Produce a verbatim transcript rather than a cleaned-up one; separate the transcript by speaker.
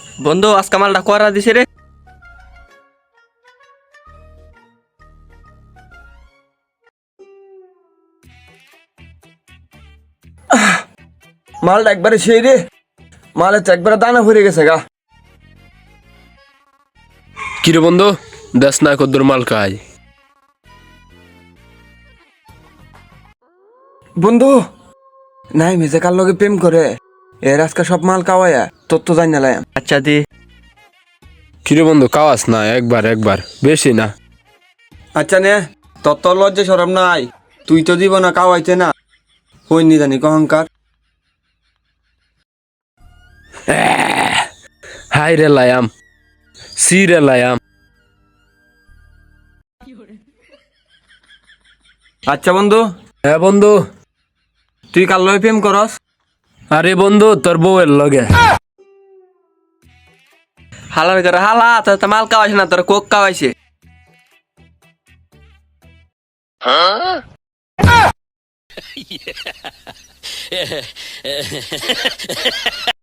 Speaker 1: বন্ধু আজকে মালটা করা দিছে রে।
Speaker 2: মালটা একবারে সেই রে, মালের তো একবারে দানা ভরে গেছে গা।
Speaker 3: কিরে বন্ধু, দেশ না কদ্দুর মাল খাই।
Speaker 2: বন্ধু নাই মেজে কার লগে প্রেম করে, এর আজকে সব মাল কাওয়ায়া তোর তো জানি না।
Speaker 1: আচ্ছা দি।
Speaker 3: কিরে বন্ধু, কাওয়াস না, একবার একবার, বেশি না।
Speaker 2: আচ্ছা নে, তোর তো লজ্জা সরম নাই, তুই তো দিব না কাওয়াইতে না, হইনি জানি কহংকার।
Speaker 3: হাই রে লায়াম, সি রে লায়াম।
Speaker 2: আচ্ছা বন্ধু,
Speaker 3: হ্যাঁ বন্ধু।
Speaker 2: তুই কার লগে প্রেম করস?
Speaker 3: আরে বন্ধু, তোর বউয়ের লগে।
Speaker 1: হালার করে হালা, তোর তো মাল কাওয়াইছে না, তোর কোক কাওয়াইছে।